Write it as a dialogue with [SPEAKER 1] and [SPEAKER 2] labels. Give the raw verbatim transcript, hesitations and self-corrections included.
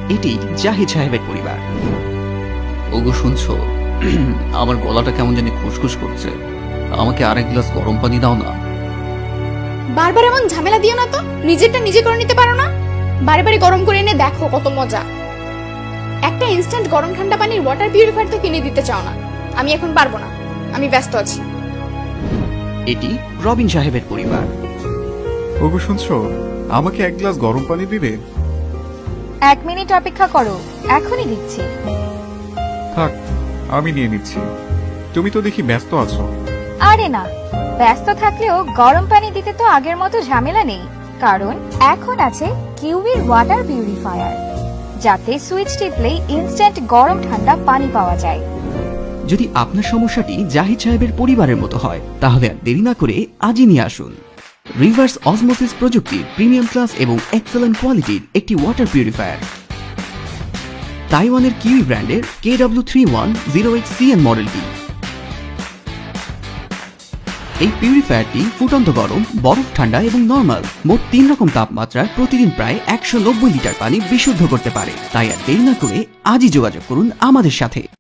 [SPEAKER 1] এটি জাহিদ সাহেবের পরিবার।
[SPEAKER 2] ওগো শুনছো, আমার গলাটা কেমন জানি খুসখুস করছে, আমাকে আরেক গ্লাস গরম পানি দাও না।
[SPEAKER 3] বারবার এমন ঝামেলা দিও না তো, নিজেরটা নিজে করে নিতে পারো না? বারে বারে গরম করে এনে দেখো কত মজা। একটা ইনস্ট্যান্ট গরম ঠান্ডা পানির ওয়াটার পিউরিফায়ার তো কিনে দিতে চাও না। আমি এখন পারবো না, আমি ব্যস্ত আছি।
[SPEAKER 1] এটি রবিন সাহেবের পরিবার।
[SPEAKER 4] ওগো শুনছো, আমাকে এক গ্লাস গরম পানি দিবে?
[SPEAKER 5] এক মিনিট অপেক্ষা করো, এখনই দিচ্ছি।
[SPEAKER 4] থাক, আমি নিয়ে নিচ্ছি। তুমি তো দেখি ব্যস্ত আছো।
[SPEAKER 5] আরে না, ব্যস্ত থাকলেও গরম পানি দিতে তো আগের মতো ঝামেলা নেই, কারণ এখন আছে কিউবির ওয়াটার পিউরিফায়ার, যাতে সুইচ টিপলেই ইনস্ট্যান্ট গরম ঠান্ডা পানি পাওয়া যায়।
[SPEAKER 1] যদি আপনার সমস্যাটি জাহিদ সাহেবের পরিবারের মতো হয়, তাহলে আর দেরি না করে আজই নিয়ে আসুন রিভার্স অসমোসিস প্রযুক্তির প্রিমিয়াম ক্লাস এবং এক্সেলেন্ট কোয়ালিটির একটি ওয়াটার পিউরিফায়ার। তাইওয়ানের কিউই ব্র্যান্ডের K W three one zero eight C N মডেলটি। এই পিউরিফায়ারটি ফুটন্ত গরম, বরফ ঠান্ডা এবং নরমাল মোট তিন রকম তাপমাত্রায় প্রতিদিন প্রায় একশো নব্বই লিটার পানি বিশুদ্ধ করতে পারে। তাই আর দেরি না করে আজই যোগাযোগ করুন আমাদের সাথে।